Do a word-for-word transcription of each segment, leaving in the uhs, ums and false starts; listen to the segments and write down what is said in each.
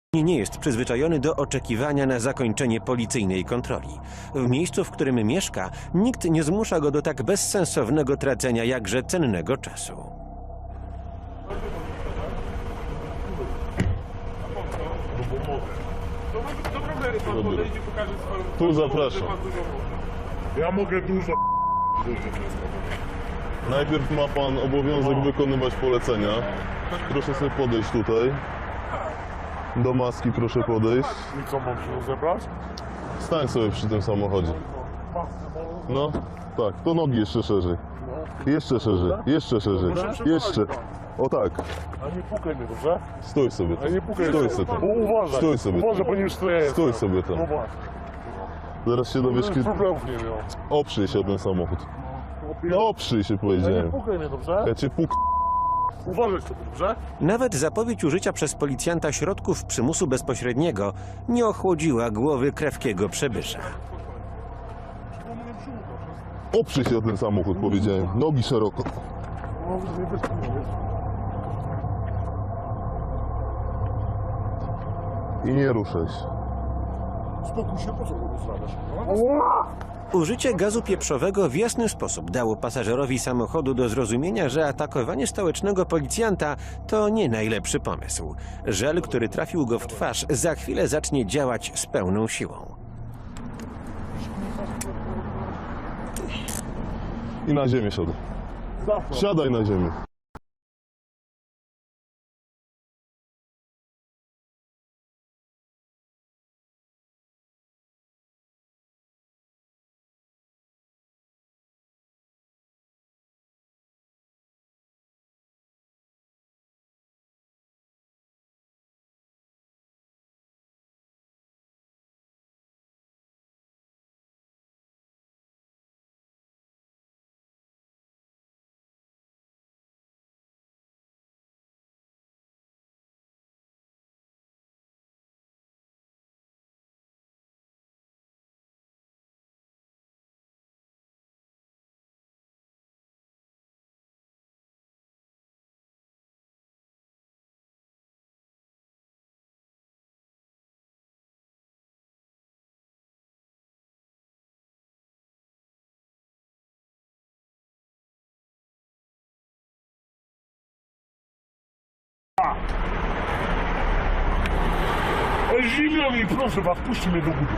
nie jest przyzwyczajony do oczekiwania na zakończenie policyjnej kontroli. W miejscu, w którym mieszka, nikt nie zmusza go do tak bezsensownego tracenia jakże cennego czasu. Tu zapraszam. Ja mogę dużo. Najpierw ma pan obowiązek wykonywać polecenia. Proszę sobie podejść tutaj. Do maski proszę podejść. I co, mam się rozebrać? Stań sobie przy tym samochodzie. No, tak, to nogi jeszcze szerzej. Jeszcze szerzej, jeszcze szerzej, jeszcze. O tak, A nie pukaj mnie, dobrze? stój sobie A nie tam. pukaj Stój mnie. sobie tam. Bo uważaj. Stój sobie Uważaj, tam. bo nie już to jest. Stój sobie tam. No właśnie. Zaraz się dowiesz, kiedy... Problemów nie miał. Oprzyj się o ten samochód. No oprzyj się, A nie powiedziałem. pukaj mnie, dobrze? Ja cię puk... Uważaj sobie, dobrze? Nawet zapowiedź użycia przez policjanta środków przymusu bezpośredniego nie ochłodziła głowy krewkiego przebysza. Oprzyj się o ten samochód, powiedziałem. Nogi szeroko. I nie ruszaj się. Spokój się, po co go rozrabiasz? Użycie gazu pieprzowego w jasny sposób dało pasażerowi samochodu do zrozumienia, że atakowanie stołecznego policjanta to nie najlepszy pomysł. Żel, który trafił go w twarz, za chwilę zacznie działać z pełną siłą. I na ziemię siadaj. Siadaj na ziemię. Ej, zimno mi, proszę was, puśćcie mnie do góry.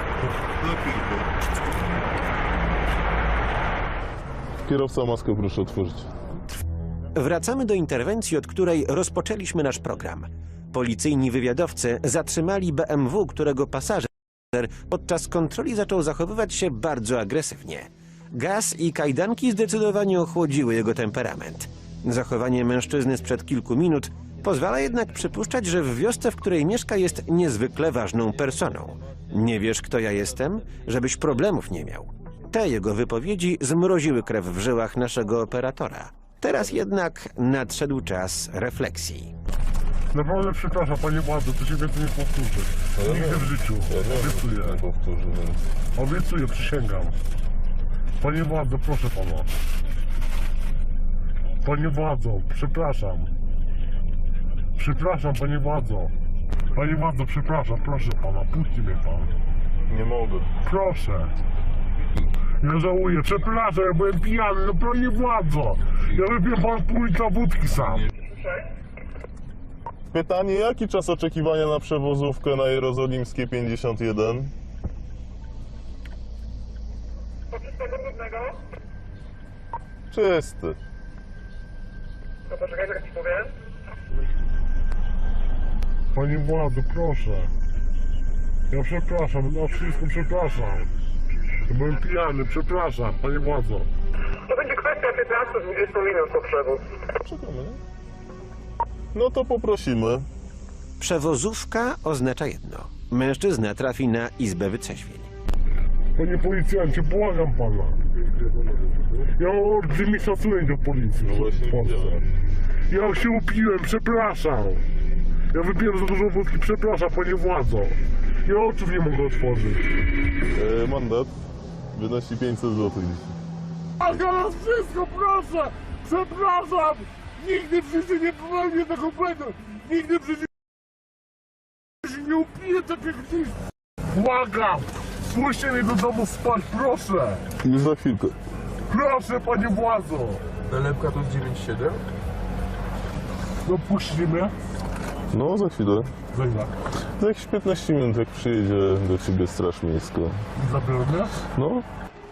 Kierowca, maskę proszę otworzyć. Wracamy do interwencji, od której rozpoczęliśmy nasz program. Policyjni wywiadowcy zatrzymali B M W, którego pasażer podczas kontroli zaczął zachowywać się bardzo agresywnie. Gaz i kajdanki zdecydowanie ochłodziły jego temperament. Zachowanie mężczyzny sprzed kilku minut pozwala jednak przypuszczać, że w wiosce, w której mieszka, jest niezwykle ważną personą. Nie wiesz, kto ja jestem? Żebyś problemów nie miał. Te jego wypowiedzi zmroziły krew w żyłach naszego operatora. Teraz jednak nadszedł czas refleksji. Naprawdę przepraszam, panie władzo, to się więcej nie powtórzy. Nigdy w życiu. Obiecuję. Powtórzy, więc... Obiecuję, przysięgam. Panie władzo, proszę pana. Panie władzo, przepraszam. Przepraszam, panie władzo. Panie władzo, przepraszam, proszę pana, puśćcie mnie pan. Nie mogę. Proszę. Ja żałuję, przepraszam, ja byłem pijany, no panie władzo. Ja wypiłem pan pół litra wódki sam. Pytanie, jaki czas oczekiwania na przewozówkę na Jerozolimskie pięćdziesiąt jeden? Czysty. No poczekaj, jak ci powiem. Panie władzo, proszę. Ja przepraszam, na wszystko przepraszam. Ja byłem pijany, przepraszam, panie władzo. To będzie kwestia piętnaście do dwudziestu minut po przewóz. Czekamy. No to poprosimy. Przewozówka oznacza jedno. Mężczyzna trafi na izbę wytrzeźwień. Panie policjancie, błagam pana. Ja mam olbrzymi szacunek do policji No właśnie w Polsce. widziałem. Ja się upiłem, przepraszam. Ja wypiłem za dużo wódki, przepraszam, panie władzo. Ja oczów nie mogę otworzyć. E, mandat wynosi pięćset złotych dzisiaj. A teraz wszystko, proszę! Przepraszam! Nigdy w życiu nie popełnię tego błędu! Nigdy w życiu nie upiję takie gdzieś. Błagam! Puśćcie mnie do domu spać, proszę! Już za chwilkę. Proszę, panie władzo! Nalepka to jest dziewięć siedem? No puśćcie mnie. No, za chwilę. Za ile? Za jakieś piętnaście minut, jak przyjedzie do ciebie straż miejska. Zabiorę mnie? No.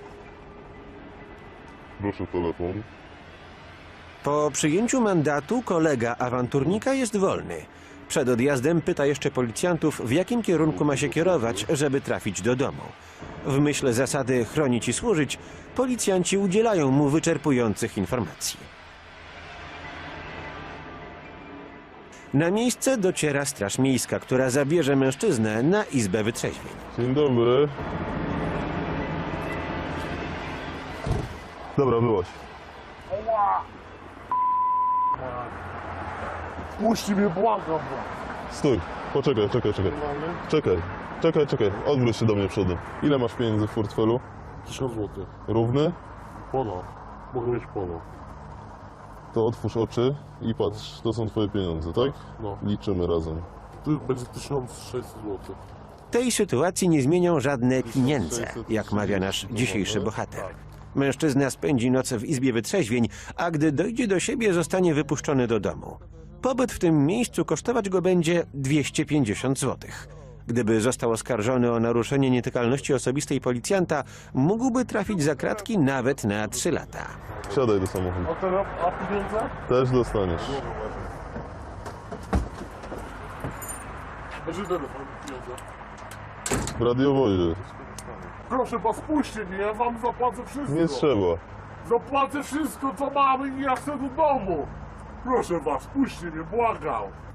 Proszę telefon. Po przyjęciu mandatu kolega awanturnika jest wolny. Przed odjazdem pyta jeszcze policjantów, w jakim kierunku ma się kierować, żeby trafić do domu. W myśl zasady chronić i służyć, policjanci udzielają mu wyczerpujących informacji. Na miejsce dociera straż miejska, która zabierze mężczyznę na izbę wytrzeźwień. Dzień dobry. Dobra, byłaś. Puśćcie mnie, błagam! Stój. Poczekaj, czekaj, czekaj. Czekaj, czekaj, czekaj. Odwróć się do mnie przodem. Ile masz pieniędzy w portfelu? Tysiąc złotych. Równy? Pono. Mogę mieć pono. To otwórz oczy i patrz. To są twoje pieniądze, tak? No. Liczymy razem. Tu będzie tysiąc sześćset złotych. Tej sytuacji nie zmienią żadne pieniądze, jak mawia nasz dzisiejszy bohater. Mężczyzna spędzi noc w izbie wytrzeźwień, a gdy dojdzie do siebie, zostanie wypuszczony do domu. Pobyt w tym miejscu kosztować go będzie dwieście pięćdziesiąt złotych. Gdyby został oskarżony o naruszenie nietykalności osobistej policjanta, mógłby trafić za kratki nawet na trzy lata. Wsiadaj do samochodu. A teraz, a pieniądze? Też dostaniesz. Będzie telefon, pieniądze. W radiowozie. Proszę was, puśćcie mnie, ja wam zapłacę wszystko. Nie trzeba. Zapłacę wszystko, co mamy i ja chcę do domu. Proszę was, puśćcie mnie, błagam.